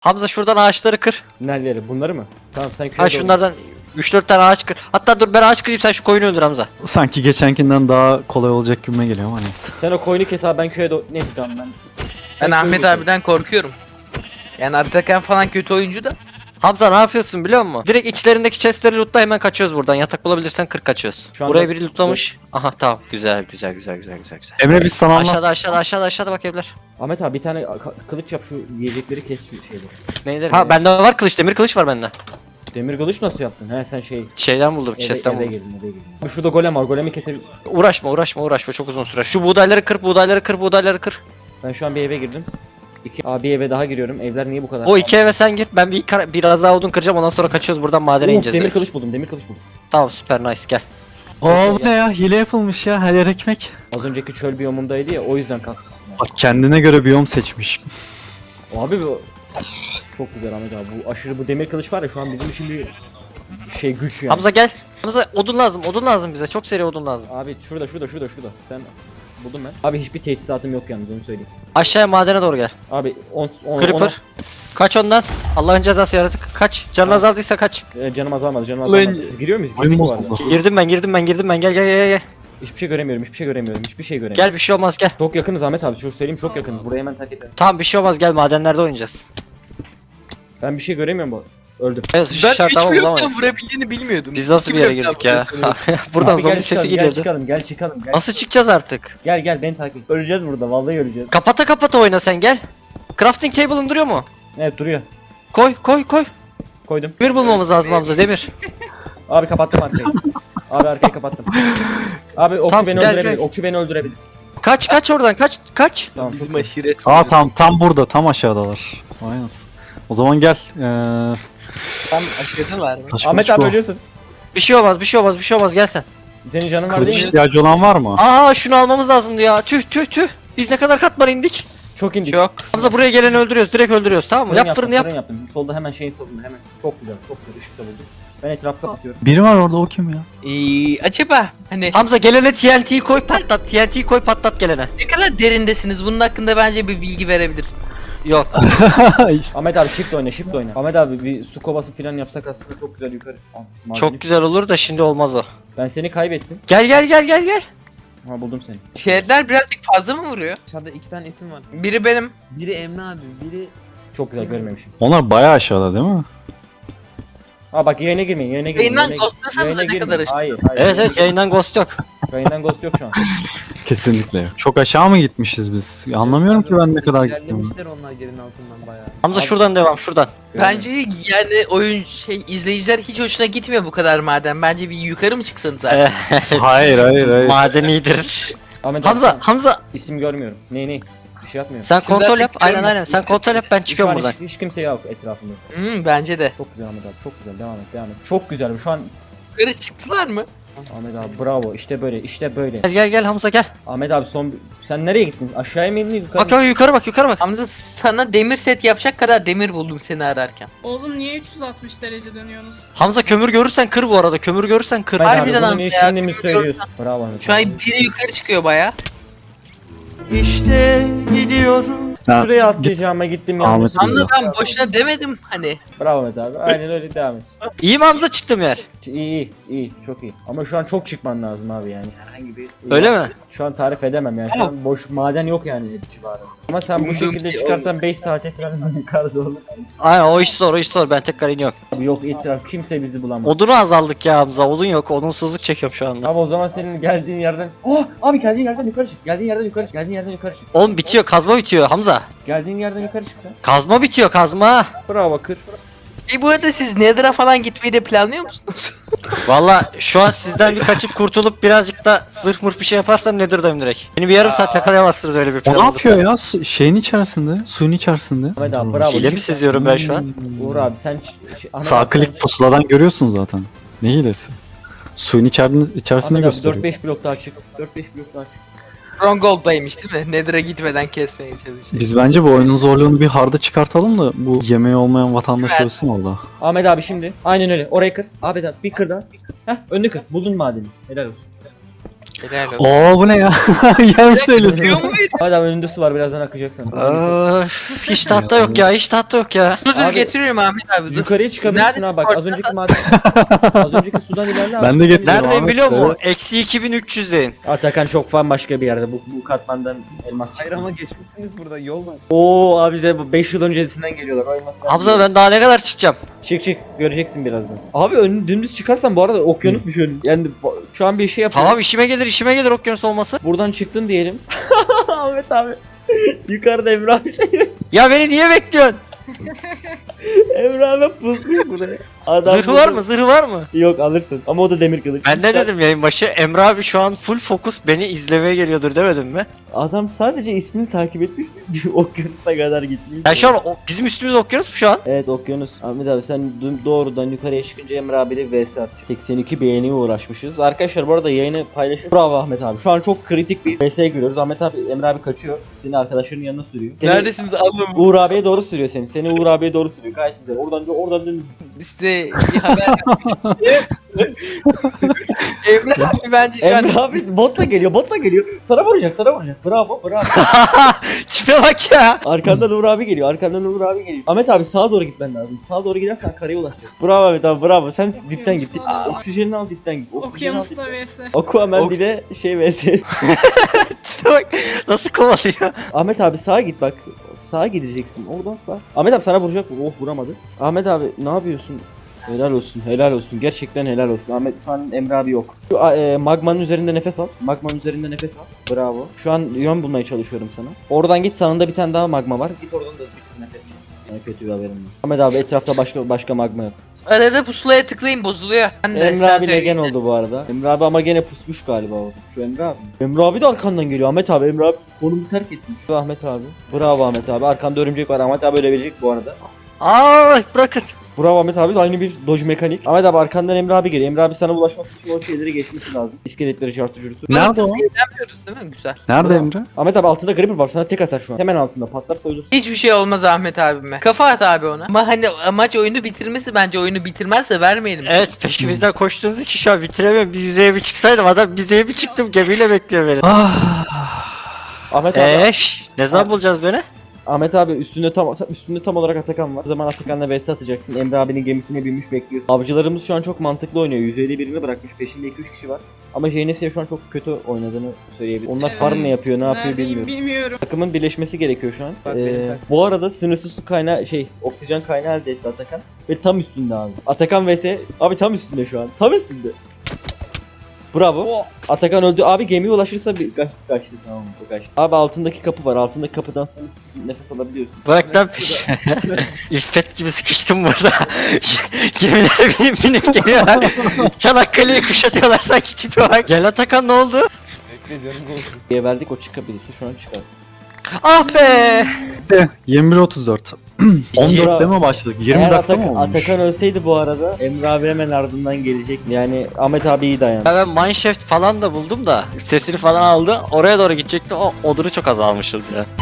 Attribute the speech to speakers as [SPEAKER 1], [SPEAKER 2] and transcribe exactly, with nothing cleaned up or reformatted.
[SPEAKER 1] Hamza şuradan ağaçları kır.
[SPEAKER 2] Nereleri? Bunları mı? Tamam sen köye
[SPEAKER 1] Ha
[SPEAKER 2] doğru.
[SPEAKER 1] şunlardan üç dört tane ağaç kır. Hatta dur ben ağaç kırayım sen şu koyunu öldür Hamza.
[SPEAKER 3] Sanki geçenkinden daha kolay olacak gibime geliyor ama neyse.
[SPEAKER 2] Sen o koyunu kes abi, ben köye doğru. Neyse tamam ben. Sen
[SPEAKER 4] Ben
[SPEAKER 2] köyü
[SPEAKER 4] Ahmet
[SPEAKER 2] götür.
[SPEAKER 4] abiden korkuyorum. Yani Atakan falan kötü oyuncu da.
[SPEAKER 1] Hamza ne yapıyorsun biliyor musun? Direkt içlerindeki chestleri lootla hemen kaçıyoruz buradan. Yatak bulabilirsen kırk kaçıyoruz.
[SPEAKER 2] Şu anda-
[SPEAKER 1] Buraya biri lootlamış. Aha tamam güzel güzel güzel güzel güzel güzel.
[SPEAKER 3] Emre biz sana anlat.
[SPEAKER 1] Aşağıda aşağıda aşağıda aşağıda bak evler.
[SPEAKER 2] Ahmet abi bir tane ka- kılıç yap, şu yiyecekleri kes şu şeyleri.
[SPEAKER 1] Neyleri? Ha bende var kılıç demir kılıç var bende.
[SPEAKER 2] Demir kılıç nasıl yaptın? He sen şey
[SPEAKER 1] Şeyden buldum
[SPEAKER 2] eve,
[SPEAKER 1] chest'ten
[SPEAKER 2] eve
[SPEAKER 1] buldum.
[SPEAKER 2] girdin eve girdin. Abi şurada golem var, golemi kesebil...
[SPEAKER 1] Uğraşma uğraşma uğraşma çok uzun sürer. Şu buğdayları kır buğdayları kır buğdayları kır.
[SPEAKER 2] Ben şu an bir eve girdim. İki abi eve daha giriyorum. Evler niye bu kadar?
[SPEAKER 1] O iki eve sen gir ben bir kar- biraz daha odun kıracağım ondan sonra kaçıyoruz buradan madene
[SPEAKER 2] Of,
[SPEAKER 1] ineceğiz.
[SPEAKER 2] demir
[SPEAKER 1] direkt.
[SPEAKER 2] kılıç buldum, demir kılıç buldum.
[SPEAKER 1] Tamam süper nice gel.
[SPEAKER 3] Oo bu ne ya? Hile yapılmış ya. Her yer ekmek.
[SPEAKER 2] Az önceki çöl biyomundaydı ya, o yüzden kalktı.
[SPEAKER 3] Bak kendine göre biyom seçmiş.
[SPEAKER 2] Abi bu çok güzel Ahmet abi. Bu aşırı bu demir kılıç var ya, şu an bizim için bir şey güç yani.
[SPEAKER 1] Hamza gel. Hamza odun lazım odun lazım bize çok seri odun lazım.
[SPEAKER 2] Abi şurada şurada şurada şurada. Sen buldum ben. Abi hiçbir teçhizatım yok yalnız, onu söyleyeyim.
[SPEAKER 1] Aşağıya madene doğru gel.
[SPEAKER 2] Abi on on
[SPEAKER 1] Creeper. Kaç ondan. Allah'ın cezası yaratık. Kaç. Canın azaldıysa kaç.
[SPEAKER 2] ona- e, canım azalmadı, canım
[SPEAKER 4] Ulan-
[SPEAKER 2] azalmadı. Biz giriyor muyuz?
[SPEAKER 3] Oyun
[SPEAKER 2] Girdik bu arada.
[SPEAKER 3] bozuldu.
[SPEAKER 1] Girdim ben girdim ben girdim ben gel gel gel gel.
[SPEAKER 2] Hiçbir şey göremiyorum, hiçbir şey göremiyorum, hiçbir şey göremiyorum.
[SPEAKER 1] Gel bir şey olmaz gel.
[SPEAKER 2] Çok yakınız Ahmet abi, şu söyleyeyim, çok yakınız. Burayı hemen terk edelim.
[SPEAKER 1] Tamam bir şey olmaz gel madenlerde oynayacağız.
[SPEAKER 2] Ben bir şey göremiyorum bu. Öldüm.
[SPEAKER 1] Evet
[SPEAKER 4] Ben
[SPEAKER 1] şart
[SPEAKER 4] üç
[SPEAKER 1] tamam
[SPEAKER 4] bloktan
[SPEAKER 1] bulamayız.
[SPEAKER 4] vurabildiğini bilmiyordum.
[SPEAKER 1] Biz nasıl
[SPEAKER 4] İki
[SPEAKER 1] bir yere
[SPEAKER 4] bloktan
[SPEAKER 1] girdik ya?
[SPEAKER 4] vuruyorsunuz.
[SPEAKER 1] Buradan
[SPEAKER 2] Abi
[SPEAKER 1] zombi
[SPEAKER 2] gel
[SPEAKER 1] sesi
[SPEAKER 2] çıkalım, Gel
[SPEAKER 1] geliyordu.
[SPEAKER 2] çıkalım, gel çıkalım. Gel.
[SPEAKER 1] Nasıl çıkacağız artık?
[SPEAKER 2] Gel gel beni takip et. Öleceğiz burada, vallahi öleceğiz.
[SPEAKER 1] Kapata kapata oyna sen gel. Crafting table'ın duruyor mu?
[SPEAKER 2] Evet duruyor.
[SPEAKER 1] Koy koy koy.
[SPEAKER 2] Koydum.
[SPEAKER 1] Demir bulmamız lazım Hamza demir.
[SPEAKER 2] Abi kapattım arkayı. Abi arkayı kapattım. Abi okçu
[SPEAKER 1] Tamam,
[SPEAKER 2] beni
[SPEAKER 1] gel,
[SPEAKER 2] öldürebilir.
[SPEAKER 1] gel.
[SPEAKER 2] Okçu beni öldürebilir.
[SPEAKER 1] Kaç kaç oradan kaç kaç.
[SPEAKER 2] Tamam.
[SPEAKER 4] Bizim
[SPEAKER 2] çok iyi.
[SPEAKER 4] aşiret.
[SPEAKER 3] Aa tam tam burada tam aşağıdalar. Aynen. O zaman gel. Ee,
[SPEAKER 4] Tam aşireti var mı?
[SPEAKER 3] taş
[SPEAKER 2] Ahmet
[SPEAKER 3] kılıç
[SPEAKER 2] abi
[SPEAKER 3] bu.
[SPEAKER 2] ölüyorsun.
[SPEAKER 1] Bir şey olmaz bir şey olmaz bir şey olmaz gel sen.
[SPEAKER 2] Senin canın var
[SPEAKER 3] Kılıç
[SPEAKER 2] değil mi?
[SPEAKER 3] ihtiyacı olan var mı?
[SPEAKER 1] Aa şunu almamız lazımdı ya. Tüh tüh tüh. Biz ne kadar katman indik.
[SPEAKER 2] Çok indik.
[SPEAKER 4] Çok.
[SPEAKER 1] Hamza buraya geleni öldürüyoruz direkt öldürüyoruz tamam mı?
[SPEAKER 2] Fırın
[SPEAKER 1] Yap
[SPEAKER 2] yaptım,
[SPEAKER 1] fırını yap.
[SPEAKER 2] Fırın yaptım. Solda hemen şeyin solunda hemen. Çok güzel, çok güzel. Işık da buldum. Ben etrafı kapatıyorum.
[SPEAKER 3] Biri var orada o kim ya?
[SPEAKER 4] Ee, acaba hani
[SPEAKER 1] Hamza gelene T N T'yi koy patlat. T N T'yi koy patlat gelene.
[SPEAKER 4] ne kadar derindesiniz? Bunun hakkında bence bir bilgi verebilirsin.
[SPEAKER 1] Yok.
[SPEAKER 2] Ahmet abi shift oyna, shift oyna. Ahmet abi bir su kovası falan yapsak aslında çok güzel yukarı. Aa, madeni.
[SPEAKER 1] Çok güzel olur da şimdi olmaz o.
[SPEAKER 2] Ben seni kaybettim.
[SPEAKER 1] Gel gel gel gel gel.
[SPEAKER 2] Ha buldum seni.
[SPEAKER 4] Şeyler birazcık fazla mı vuruyor?
[SPEAKER 5] Aşağıda iki tane isim var.
[SPEAKER 4] Biri benim.
[SPEAKER 5] Biri Emre abi, biri
[SPEAKER 2] Çok güzel görmemişim.
[SPEAKER 3] Onlar bayağı aşağıda değil mi?
[SPEAKER 2] Aa bak yayına girmeyin, yayına girmeyin.
[SPEAKER 4] Yayından
[SPEAKER 2] yayına-
[SPEAKER 4] ghostlasanıza
[SPEAKER 2] yayına
[SPEAKER 4] ne
[SPEAKER 2] girmeyin.
[SPEAKER 4] kadar ışık.
[SPEAKER 2] Hayır, hayır.
[SPEAKER 1] Evet evet yayından ghost yok.
[SPEAKER 2] Yayından ghost yok şu an.
[SPEAKER 3] Kesinlikle. Çok aşağı mı gitmişiz biz? Anlamıyorum ki ben ne kadar gittim.
[SPEAKER 5] ilerlemişler onlar yerin altından bayağı.
[SPEAKER 1] Hamza
[SPEAKER 2] Abi-
[SPEAKER 1] şuradan devam şuradan.
[SPEAKER 4] Bence yani oyun şey izleyiciler hiç hoşuna gitmiyor bu kadar maden. Bence bir yukarı mı çıksanız artık?
[SPEAKER 3] Hayır hayır hayır.
[SPEAKER 1] Maden iyidir.
[SPEAKER 2] Ahmet
[SPEAKER 1] Hamza
[SPEAKER 2] abi,
[SPEAKER 1] Hamza
[SPEAKER 2] isim görmüyorum. Ne ne? Bir şey yapmıyorum.
[SPEAKER 1] sen
[SPEAKER 4] Sizler
[SPEAKER 1] kontrol yap. Aynen
[SPEAKER 4] bekliyorum
[SPEAKER 1] aynen.
[SPEAKER 4] aslında.
[SPEAKER 1] Sen kontrol yap ben
[SPEAKER 2] Şu an
[SPEAKER 1] çıkıyorum buradan.
[SPEAKER 2] hiç, hiç kimse yok etrafımda.
[SPEAKER 4] Hmm, bence de.
[SPEAKER 2] Çok güzel Ahmet abi, çok güzel. Devam et, devam et. Çok güzel. Şu an
[SPEAKER 4] Yukarı çıktılar mı?
[SPEAKER 2] Ahmet abi bravo. İşte böyle, işte böyle.
[SPEAKER 1] Gel gel gel Hamza gel.
[SPEAKER 2] Ahmet abi son sen nereye gittin? Aşağıya mı indin yukarı?
[SPEAKER 1] Bak bak yukarı bak yukarı bak.
[SPEAKER 4] Hamza sana demir set yapacak kadar demir buldum seni ararken.
[SPEAKER 6] Oğlum niye üç yüz altmış derece dönüyorsunuz?
[SPEAKER 1] Hamza kömür görürsen kır bu arada. Kömür görürsen kır.
[SPEAKER 2] Ahmet abi,
[SPEAKER 4] Harbiden
[SPEAKER 2] bunu
[SPEAKER 4] Ahmet
[SPEAKER 2] niye
[SPEAKER 4] ya,
[SPEAKER 2] şimdi mi
[SPEAKER 4] görüyorum
[SPEAKER 2] söylüyorsun? Bravo Ahmet
[SPEAKER 4] Şu
[SPEAKER 2] abi.
[SPEAKER 4] an biri yukarı çıkıyor baya.
[SPEAKER 1] İşte gidiyorum.
[SPEAKER 3] Sen
[SPEAKER 2] Şuraya atlayacağıma gittim
[SPEAKER 3] Ahmet
[SPEAKER 2] yanlış.
[SPEAKER 3] Hamza.
[SPEAKER 4] Hamza ben boşuna demedim hani.
[SPEAKER 2] Bravo Ahmet abi. Aynen öyle devam et.
[SPEAKER 1] İyi mi Hamza çıktım yer?
[SPEAKER 2] İyi iyi iyi çok iyi. Ama şu an çok çıkman lazım abi yani. Herhangi bir
[SPEAKER 1] Öyle mi?
[SPEAKER 2] Şu an tarif edemem yani. Şu an boş maden yok yani civarında. Ama sen bu
[SPEAKER 4] Umduğum
[SPEAKER 2] şekilde
[SPEAKER 4] şey
[SPEAKER 2] çıkarsan beş saate falan yukarıda olur.
[SPEAKER 1] Aynen o iş zor o iş zor. Ben tekrar iniyorum.
[SPEAKER 2] Abi yok etraf kimse bizi bulamaz.
[SPEAKER 1] Odunu azaldık ya Hamza. Odun yok. Odunsuzluk çekiyorum şu anda.
[SPEAKER 2] Abi o zaman senin geldiğin yerden... Oh! Abi geldiğin yerden yukarı çık. Geldiğin yerden yukarı çık. Geldiğin yerden yukarı çık.
[SPEAKER 1] Oğlum bitiyor. Kazma bitiyor Hamza.
[SPEAKER 2] Geldiğin yerden yukarı çık sen.
[SPEAKER 1] Kazma bitiyor kazma.
[SPEAKER 2] Bravo kır.
[SPEAKER 4] E bu arada siz Nether'a falan gitmeyi de planlıyor musunuz?
[SPEAKER 1] Valla şu an sizden bir kaçıp kurtulup birazcık da zırh mırh bir şey yaparsam Nether'dayım direkt. Beni bir yarım saat yakalayamazsınız öyle bir
[SPEAKER 3] O
[SPEAKER 1] plan
[SPEAKER 3] ne
[SPEAKER 1] olursa.
[SPEAKER 3] yapıyor ya? Su- şeyin içerisinde, suyun içerisinde.
[SPEAKER 2] Ahmet abi bravo.
[SPEAKER 1] Hile mi
[SPEAKER 2] Çık-
[SPEAKER 1] seziyorum ben şu an?
[SPEAKER 2] Uğur abi sen... ç- ç- Ahmet
[SPEAKER 3] Sağ
[SPEAKER 2] abi, sen-
[SPEAKER 3] klik pusuladan görüyorsun zaten. Ne hilesi? Suyun içerisinde, içerisinde
[SPEAKER 2] Ahmet abi
[SPEAKER 3] gösteriyor.
[SPEAKER 2] dört beş blok daha çık. dört beş blok daha çık.
[SPEAKER 4] Stronghold'daymış değil mi? Nether'a gitmeden kesmeye çalışıyor.
[SPEAKER 3] Biz bence bu oyunun zorluğunu bir harda çıkartalım da bu yemeği olmayan vatandaş
[SPEAKER 4] Evet.
[SPEAKER 3] ölsün orada.
[SPEAKER 2] Ahmet abi şimdi. Aynen öyle. Orayı kır. Ahmet abi bir kır daha. Heh önünü kır. Buldun madeni. Helal olsun.
[SPEAKER 4] Helal olsun.
[SPEAKER 3] Oo bu ne ya? Yan söylüyorsun.
[SPEAKER 4] Diyor mu?
[SPEAKER 2] Hadi abi önünde su var birazdan akacak sana.
[SPEAKER 1] Öf, hiç tahta yok ya, hiç tahta yok ya.
[SPEAKER 4] Dur dur
[SPEAKER 2] Abi,
[SPEAKER 4] getiriyorum Ahmet abi dur.
[SPEAKER 2] Yukarıya çıkabilirsin
[SPEAKER 4] Nerede
[SPEAKER 2] ha bak az
[SPEAKER 4] koordinat?
[SPEAKER 2] önceki maden az önceki sudan ilerle abi.
[SPEAKER 3] Ben de getirdim.
[SPEAKER 1] Neredeyim
[SPEAKER 3] Ahmet
[SPEAKER 1] biliyor musun?
[SPEAKER 3] Bey.
[SPEAKER 1] Eksi iki bin üç yüzdeyim.
[SPEAKER 2] Atakan çok fan başka bir yerde bu, bu katmandan elmas
[SPEAKER 5] Hayır ama
[SPEAKER 2] çıkmaz.
[SPEAKER 5] geçmişsiniz burada yol var.
[SPEAKER 2] Oo abi bize beş yıl öncesinden geliyorlar o elması.
[SPEAKER 1] Hamza ben daha ne kadar çıkacağım?
[SPEAKER 2] Çık çık göreceksin birazdan. Abi ön, dümdüz çıkarsan bu arada okyanusmuş önün. Yani bu- şu an bir şey yapıyorum.
[SPEAKER 1] Tamam işime gelir, işime gelir okyanus olması.
[SPEAKER 2] Buradan çıktın diyelim. Ahmet abi. Yukarıda Emre abi şey.
[SPEAKER 1] Ya beni niye bekliyorsun?
[SPEAKER 2] Emre abi pusmuş buraya. Adam
[SPEAKER 1] Zırhı var mı? Zırhı var mı?
[SPEAKER 2] Yok alırsın ama o da demir kılıç.
[SPEAKER 1] Ben ne dedim yayın başı? Emre abi şu an full fokus beni izlemeye geliyordur demedim mi?
[SPEAKER 2] Adam sadece ismini takip etmiş. Okyanusa kadar gitmiş.
[SPEAKER 1] Ya şu an o- bizim üstümüz okyanus mu şu an?
[SPEAKER 2] Evet okyanus. Ahmet abi sen dü- doğrudan yukarıya çıkınca Emre abiyle vs at. seksen iki beğeniye uğraşmışız. Arkadaşlar bu arada yayını paylaşın. Bravo Ahmet abi. Şu an çok kritik bir vs görüyoruz. Ahmet abi Emre abi kaçıyor. Seni arkadaşların yanına sürüyor. Seni
[SPEAKER 4] Neredesiniz alın.
[SPEAKER 2] Uğur abiye doğru sürüyor seni. Seni Uğur abiye doğru sürüyor. Gayet güzel. Oradan oradan dönüş.
[SPEAKER 4] Size bir haber yapmışım. Emre abi bence şu an
[SPEAKER 2] Emre abi botla geliyor. Botla geliyor. Sana vuracak. Sana vuracak. Bravo. Bravo.
[SPEAKER 1] Tipe bak ya.
[SPEAKER 2] Arkandan Uğur abi geliyor. Arkandan Uğur abi geliyor. Ahmet abi sağa doğru gitmen lazım. Sağa doğru gidersen karaya ulaşacaksın. Bravo Ahmet abi. Bravo. Sen dipten git. Dip-
[SPEAKER 6] Aa.
[SPEAKER 2] Oksijenini al dipten git. Oksijenini al
[SPEAKER 6] Okyanusla
[SPEAKER 2] dipten.
[SPEAKER 6] vs.
[SPEAKER 2] Aquaman
[SPEAKER 4] Ok-
[SPEAKER 2] bir de şey vs.
[SPEAKER 1] Tipe bak nasıl kovalıyor.
[SPEAKER 2] Ahmet abi sağa git bak. Sağa gideceksin. Oradan sağ. Ahmet abi sana vuracak mı? Oh vuramadı. Ahmet abi ne yapıyorsun? Helal olsun, helal olsun. Gerçekten helal olsun. Ahmet şu an Emre abi yok. Şu a- e, magmanın üzerinde nefes al. Magmanın üzerinde nefes al. Bravo. Şu an yön bulmaya çalışıyorum sana. Oradan git sağında bir tane daha magma var. Git oradan da bir nefes al. Sana kötü bir haberim var. Ahmet abi etrafta başka başka magma yok.
[SPEAKER 4] arada pusulaya tıklayın bozuluyor. Ben de
[SPEAKER 2] Emre
[SPEAKER 4] sen
[SPEAKER 2] abi
[SPEAKER 4] söyle.
[SPEAKER 2] legen oldu bu arada. Emre abi ama gene pusmuş galiba orada. Şu Emre abi. Emre abi de arkandan geliyor. Ahmet abi Emre abi konumu terk etmiş. Şu Ahmet abi. Bravo Ahmet abi. Arkanda örümcek var. Ahmet abi ölebilecek bu arada.
[SPEAKER 1] Aa bırakın.
[SPEAKER 2] Bravo Ahmet abi de aynı bir dodge mekanik. Ahmet abi arkandan Emre abi geliyor. Emre abi sana ulaşması için o şeyleri geçmesi lazım. İskeletleri çarptı cürtü.
[SPEAKER 3] Nerede o?
[SPEAKER 4] Eğlenmiyoruz değil mi? Güzel.
[SPEAKER 3] Nerede Emre?
[SPEAKER 2] Ahmet abi altında creeper var sana tek atar şu an. Hemen altında patlarsa ölürsün.
[SPEAKER 4] Hiçbir şey olmaz Ahmet abime. Kafa at abi ona. Ama hani amaç oyunu bitirmesi, bence oyunu bitirmezse vermeyelim.
[SPEAKER 1] Evet peşimizden koştuğunuz için şu an bitiremiyorum. Bir yüzeye bir çıksaydım adam yüzeye bir çıktım gemiyle bekliyor beni.
[SPEAKER 3] Ah.
[SPEAKER 2] Ahmet abi,
[SPEAKER 1] Eş ne zaman bulacağız beni?
[SPEAKER 2] Ahmet abi üstünde tam üstünde tam olarak Atakan var. O zaman Atakan'la vs atacaksın. Emre abinin gemisine binmiş bekliyorsun. Avcılarımız şu an çok mantıklı oynuyor. yüz elli birini bırakmış. Peşinde iki üç kişi var. Ama J N S'ye şu an çok kötü oynadığını söyleyebilirim. Onlar farm ne yapıyor, ne yapıyor
[SPEAKER 6] Neredeyim
[SPEAKER 2] bilmiyorum.
[SPEAKER 6] bilmiyorum.
[SPEAKER 2] Takımın birleşmesi gerekiyor şu an.
[SPEAKER 5] Bak,
[SPEAKER 2] Ee,
[SPEAKER 5] benim tak-
[SPEAKER 2] bu arada sınırsız su kaynağı şey oksijen kaynağı elde etti Atakan. Ve tam üstünde abi. Atakan vs abi tam üstünde şu an. Tam üstünde. Bravo. Atakan öldü. Abi gemiye ulaşırsa bir kaç, kaçtı tamam o kaçtı. Abi altındaki kapı var. Altındaki kapıdan sınırsız nefes alabiliyorsun.
[SPEAKER 1] Bırak lan peşime. İffet gibi sıkıştım burada. Gemilere binip binip geliyorlar. Çanakkale'yi kuşatıyorlar sanki tipe bak. Gel Atakan ne oldu?
[SPEAKER 5] Bekle canım olsun.
[SPEAKER 2] Diye verdik o çıkabilirse şu an çıkar.
[SPEAKER 1] Ah be.
[SPEAKER 3] yirmi bir otuz dört. on dörtte mi başladık? yirmi
[SPEAKER 2] Eğer
[SPEAKER 3] dakika
[SPEAKER 2] Atakan,
[SPEAKER 3] mı olmuş?
[SPEAKER 2] Atakan ölseydi bu arada Emre abi hemen ardından gelecek. Yani Ahmet abi iyi dayan.
[SPEAKER 1] Ya ben mineshaft falan da buldum da sesini falan aldı. Oraya doğru gidecekti. O odunu çok azalmışız ya.